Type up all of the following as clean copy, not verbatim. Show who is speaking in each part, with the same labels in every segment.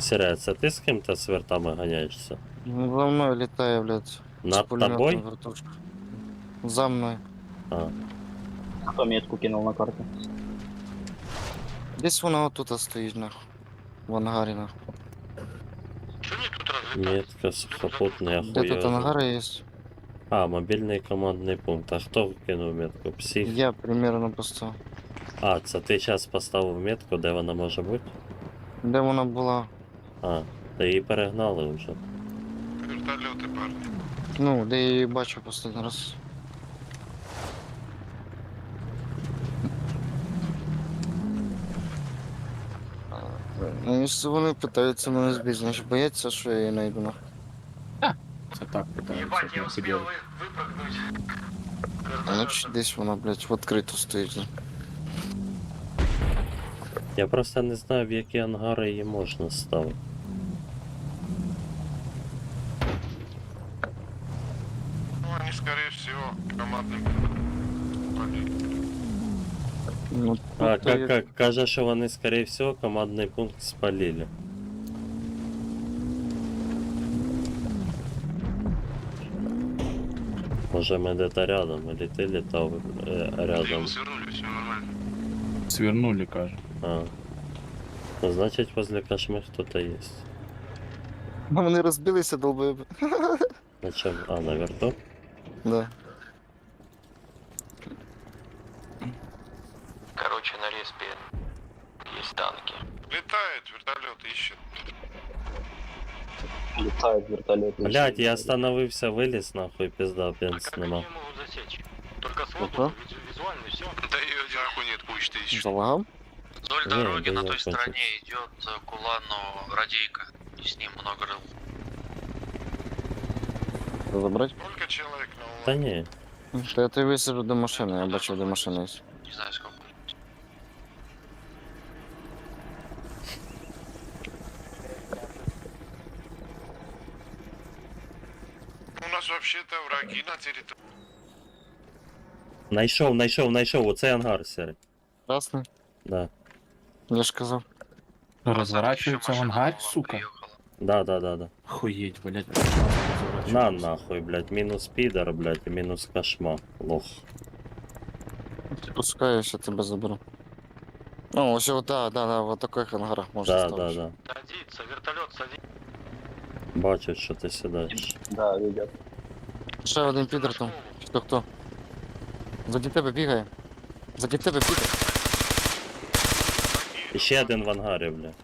Speaker 1: Сіря, це ти з ким-то з вертами ганяєшся?
Speaker 2: Ну, за мною літає, блядь.
Speaker 1: Над
Speaker 2: пулеметом
Speaker 1: тобою?
Speaker 2: вертушка. За мною.
Speaker 1: А,
Speaker 3: Кто метку кинул на карту?
Speaker 2: Десь вона отут стоїть, нахуй. В ангарі, нахуй.
Speaker 4: Что они тут разлетались?
Speaker 1: метка сухопутний,
Speaker 2: Де тут
Speaker 1: ахуєв.
Speaker 2: ангари є?
Speaker 1: А, мобільний командний пункт. А хто кинув метку? Псих?
Speaker 2: Я примерно поставив.
Speaker 1: А, це ти зараз поставив метку, де вона може бути?
Speaker 2: Де вона була?
Speaker 1: А, та її перегнали вже.
Speaker 4: Вертолеты, парни.
Speaker 2: Ну, де я її бачив останній раз. Ну, якщо вони питаються мене збити, значить бояться, що я її знайду, нахуй.
Speaker 5: Це так питаюся.
Speaker 4: Ебать, я
Speaker 5: не
Speaker 4: успел
Speaker 5: сиділи.
Speaker 4: выпрыгнуть.
Speaker 2: Значить десь вона, блядь, відкрито стоїть.
Speaker 1: Я просто не знаю, в які ангари її можна ставити.
Speaker 4: Ну, они, скорее всего, командным.
Speaker 2: Ну,
Speaker 1: А,
Speaker 2: тут є-
Speaker 1: каже, що вони, скорее всего, командний пункт спалили. Може ми де-то рядом, или ти літав рядом.
Speaker 4: Свернули, все нормально.
Speaker 5: Свернули, каже.
Speaker 1: А. Ну, значить, возле кошми хто-то є.
Speaker 2: Ну, вони розбилися, долбоєби.
Speaker 1: На чому? А, на верту?
Speaker 2: Да.
Speaker 6: Короче, на респе есть танки.
Speaker 4: Летает, вертолет ищет.
Speaker 3: Летает вертолет.
Speaker 1: Блять, я остановився, виліз нахуй, пизда,
Speaker 6: А
Speaker 1: пенс
Speaker 6: как
Speaker 1: нема.
Speaker 6: они могут засечь? Только с
Speaker 2: Ага.
Speaker 6: воздуха, визуально и все.
Speaker 4: Да ее нахуй нет, пусть ты ищешь.
Speaker 2: Залагав?
Speaker 6: Вдоль
Speaker 1: Не,
Speaker 6: дороги
Speaker 1: да
Speaker 6: на
Speaker 1: я
Speaker 6: той
Speaker 1: кончил.
Speaker 6: стороне идет к улану радейка. И с ним много рыл.
Speaker 2: Забрати?
Speaker 4: Сколько человек на улан?
Speaker 1: Та ні.
Speaker 2: Та я тебе висаджу до машини, я бачив, де машина є.
Speaker 6: Не знаю сколько.
Speaker 4: У нас вообще-то враги на территории.
Speaker 1: Найшов, оцей ангар, сірий.
Speaker 2: Красний?
Speaker 1: Да.
Speaker 2: Я ж казав.
Speaker 5: Розворачується в
Speaker 6: Ещё машина
Speaker 5: ангарь,
Speaker 6: к вам
Speaker 5: сука.
Speaker 6: приехала.
Speaker 1: Да.
Speaker 5: Охуєть, блядь.
Speaker 1: На нахуй, блядь, мінус підер, блядь, і мінус кошма. Лох.
Speaker 2: Пускай я ще тебе заберу. Ну, ось от, да, в таких ангарах можна
Speaker 1: Да.
Speaker 2: ставити.
Speaker 6: Садится, вертолет садится.
Speaker 1: Бачу, що ти сідаєш.
Speaker 3: Да, видят.
Speaker 2: Ще один підер там. Хто? Заді тебе бігає. Заді тебе підер.
Speaker 1: І ще один в ангарі, блядь.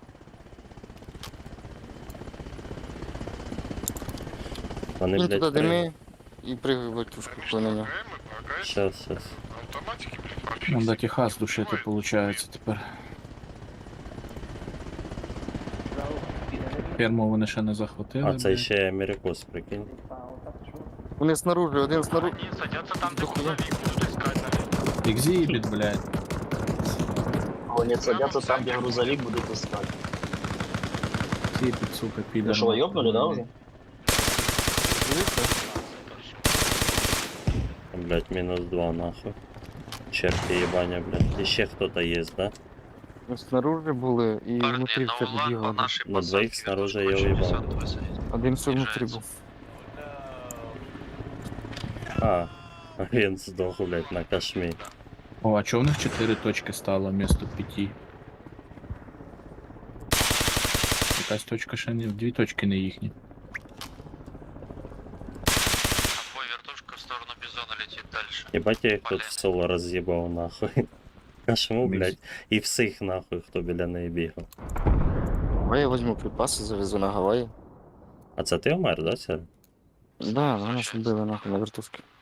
Speaker 1: Вони,
Speaker 2: Він
Speaker 1: блядь,
Speaker 2: туди
Speaker 1: при...
Speaker 2: дими і пригай в тушку по нього.
Speaker 4: ПКМ,
Speaker 1: Щас.
Speaker 4: автоматики, блядь,
Speaker 5: Ну,
Speaker 4: профикс.
Speaker 5: да, Техас душити, получається, тепер. Ферму вони ще не захватили.
Speaker 1: А це
Speaker 5: блядь.
Speaker 1: ще Америкос, прикинь.
Speaker 2: Вони снаружи, один снаружи.
Speaker 6: Они садятся там, где
Speaker 2: Дохуя.
Speaker 6: грузовик будут искать, наверное.
Speaker 5: Екзибіт, блядь.
Speaker 3: Они садятся там, где грузовик будут искать.
Speaker 5: Екзибіт, сука, підер.
Speaker 3: Ну что, ёбнули, да, уже?
Speaker 1: Блядь, мінус 2, нахуй. Черти єбаня, блядь. І ще хто-то є, да?
Speaker 2: Снаружи були і
Speaker 6: Парни,
Speaker 2: внутрі в
Speaker 6: на
Speaker 2: тебе
Speaker 6: улан по
Speaker 2: бігали.
Speaker 6: нашей
Speaker 1: На двоих
Speaker 6: посадке
Speaker 1: снаружи
Speaker 6: вернут
Speaker 1: я
Speaker 6: по
Speaker 1: уебал.
Speaker 6: 60 высадить.
Speaker 2: Один все внутрі
Speaker 6: Снижается.
Speaker 2: був.
Speaker 1: А, він здох, блядь, на кошмі.
Speaker 5: О, а чого в них 4 точки стало вместо 5? Якась точка ще не... 2 точки не їхні.
Speaker 6: Бой вертушка в сторону Бизона летит дальше.
Speaker 1: Єбать, я їх тут в соло роз'їбав, нахуй. Кошму, блядь, і всіх, нахуй, хто біля неї бігав.
Speaker 2: Давай я візьму припаси, завезу на Гаваї.
Speaker 1: А це ти вмер, да, Сер?
Speaker 2: Да, нас вбили нахуй на вертушки.